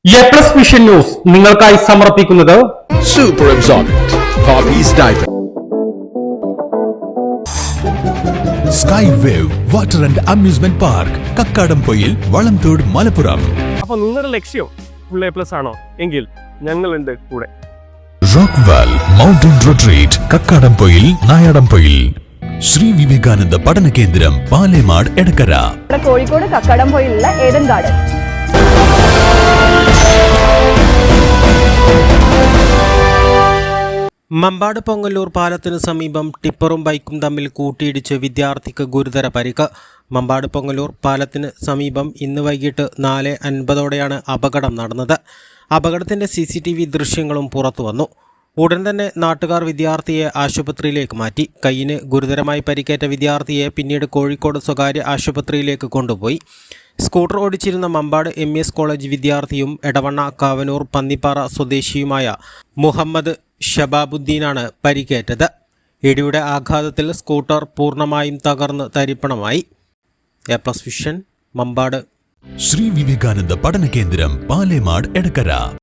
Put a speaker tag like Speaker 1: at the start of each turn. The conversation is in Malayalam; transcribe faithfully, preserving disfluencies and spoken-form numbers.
Speaker 1: എ പ്ലസ് വിഷൻ ന്യൂസ് നിങ്ങൾക്കായി സമർപ്പിക്കുന്നത്
Speaker 2: super absorbent Poppees diaper
Speaker 3: sky wave water and amusement park Kakkadampoyil Valamthode Malappuram.
Speaker 4: അപ്പൊ നിങ്ങളുടെ ലക്ഷ്യം ഫുൾ എ പ്ലസ് ആണോ എങ്കിൽ ഞങ്ങളുണ്ട് കൂടെ.
Speaker 3: Rockvale mountain retreat Kakkadampoyil Nayadampoyil. Shri Vivekananda പഠന കേന്ദ്രം പാലേമാട് എടക്കര.
Speaker 5: കോഴിക്കോട് കക്കാടംപൊയിലുള്ള ഏഡൻ ഗാർഡൻ.
Speaker 6: മമ്പാട് പൊങ്ങല്ലൂർ പാലത്തിന് സമീപം ടിപ്പറും ബൈക്കും തമ്മിൽ കൂട്ടിയിടിച്ച് വിദ്യാർത്ഥിക്ക് ഗുരുതര പരിക്ക്. മമ്പാട് പൊങ്ങല്ലൂർ പാലത്തിന് സമീപം ഇന്ന് വൈകിട്ട് നാല് അൻപതോടെയാണ് അപകടം നടന്നത്. അപകടത്തിൻ്റെ സി സി ടി വി ദൃശ്യങ്ങളും പുറത്തുവന്നു. ഉടൻ തന്നെ നാട്ടുകാർ വിദ്യാർത്ഥിയെ ആശുപത്രിയിലേക്ക് മാറ്റി. കൈയിന് ഗുരുതരമായി പരിക്കേറ്റ വിദ്യാർത്ഥിയെ പിന്നീട് കോഴിക്കോട് സ്വകാര്യ ആശുപത്രിയിലേക്ക് കൊണ്ടുപോയി. സ്കൂട്ടർ ഓടിച്ചിരുന്ന Mampad M E S college വിദ്യാർത്ഥിയും എടവണ്ണ കാവനൂർ പന്നിപ്പാറ സ്വദേശിയുമായ മുഹമ്മദ് ഷബാബുദ്ദീനാണ് പരിക്കേറ്റത്. ഇടിയുടെ ആഘാതത്തിൽ സ്കൂട്ടർ പൂർണ്ണമായും തകർന്ന് തരിപ്പണമായി. A plus vision Mampad.
Speaker 3: Shri Vivekananda പഠന കേന്ദ്രം പാലേമാട് എടക്കര.